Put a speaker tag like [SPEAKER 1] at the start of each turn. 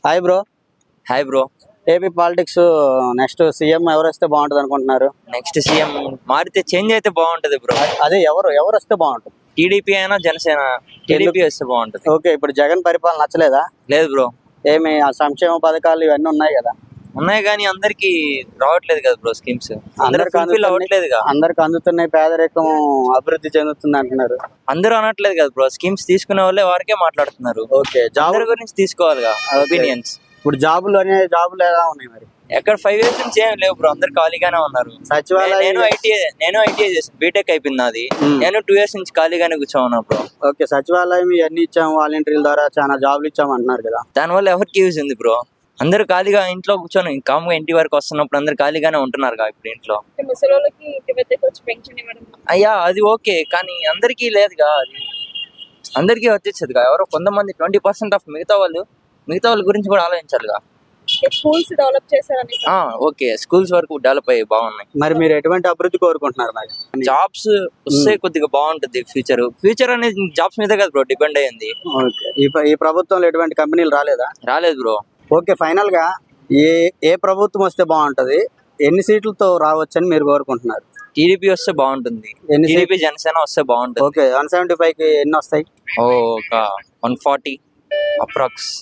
[SPEAKER 1] Hi bro.
[SPEAKER 2] Hi bro.
[SPEAKER 1] AP politics next CM ఎవరు వస్తే బాగుంటుంది అనుకుంటున్నారు?
[SPEAKER 2] నెక్స్ట్ సీఎం మారితే చేంజ్ అయితే బాగుంటది బ్రో.
[SPEAKER 1] అదే ఎవరు వస్తే బాగుంటుంది?
[SPEAKER 2] టీడీపీ అయినా జనసేన. టీడీపీ వస్తే బాగుంటది.
[SPEAKER 1] ఓకే, ఇప్పుడు జగన్ పరిపాలన నచ్చలేదా?
[SPEAKER 2] లేదు బ్రో.
[SPEAKER 1] ఏమి ఆ సంక్షేమ పథకాలు ఇవన్నీ ఉన్నాయి కదా?
[SPEAKER 2] ఉన్నాయి కానీ అందరికి రావట్లేదు కదా బ్రో స్కీమ్స్. అందరికి ఫుల్ఫిల్ అవ్వట్లేదుగా.
[SPEAKER 1] అందరికి అందుతున్నాయి, పేదరికం అభివృద్ధి చెందుతుంది అంటున్నారు.
[SPEAKER 2] అందరూ అనట్లేదు కదా బ్రో. స్కీమ్స్ తీసుకునే వాళ్ళే వారికే మాట్లాడుతున్నారు.
[SPEAKER 1] ఓకే,
[SPEAKER 2] జాబ్ గురించి తీసుకోవాలిగా ఒపీనియన్స్.
[SPEAKER 1] ఇప్పుడు జాబులు ఎలా ఉన్నాయి మరి?
[SPEAKER 2] ఎక్కడ 5 years నుంచి ఏం లేవు బ్రో. అందరు ఖాళీగానే ఉన్నారు.
[SPEAKER 1] సచివాలయం
[SPEAKER 2] నేను ఐటీఐ చేసాను, బీటెక్ అయిపోయింది నాది. నేను 2 years నుంచి ఖాళీగానే కూర్చోన్నా బ్రో.
[SPEAKER 1] ఓకే, సచివాలయం ఇవన్నీ ఇచ్చాము, వాలంటీర్ల ద్వారా చాలా జాబులు ఇచ్చాము అంటున్నారు కదా.
[SPEAKER 2] దానివల్ల ఎవరికి యూజ్ ఉంది బ్రో? అందరు ఖాళీగా ఇంట్లో కూర్చొని కామ్గా ఇంటి వరకు వస్తున్నప్పుడు అందరు ఖాళీగానే ఉంటున్నారు ఇప్పుడు ఇంట్లో. అయ్యా అది ఓకే, కానీ అందరికీ లేదుగా. అది అందరికీ వచ్చేసేదిగా. ఎవరో కొంతమంది 20% ఆఫ్ మిగతా వాళ్ళ గురించి కూడా ఆలోచించాలిగా.
[SPEAKER 3] స్కూల్స్ డెవలప్ చేశారని.
[SPEAKER 2] ఓకే, స్కూల్స్ వరకు డెవలప్ అయ్యి బాగున్నాయి.
[SPEAKER 1] మరి మీరు ఎటువంటి అభివృద్ధి కోరుకుంటున్నారు? మరి
[SPEAKER 2] జాబ్స్ వస్తే కొద్దిగా బాగుంటుంది. ఫ్యూచర్ అనేది జాబ్స్ మీద కదా బ్రో డిపెండ్ అయ్యింది.
[SPEAKER 1] ఓకే, ఈ ప్రభుత్వంలో ఎటువంటి కంపెనీలు
[SPEAKER 2] రాలేదు బ్రో.
[SPEAKER 1] ఓకే, ఫైనల్ గా ఏ ప్రభుత్వం వస్తే బాగుంటది, ఎన్ని సీట్లతో రావచ్చని మీరు కోరుకుంటున్నారు?
[SPEAKER 2] టీడీపీ వస్తే బాగుంటుంది. టీడీపీ జనసేన వస్తే బాగుంటుంది.
[SPEAKER 1] ఓకే, 175కి ఎన్ని వస్తాయి?
[SPEAKER 2] ఒక 140 అప్రాక్స్.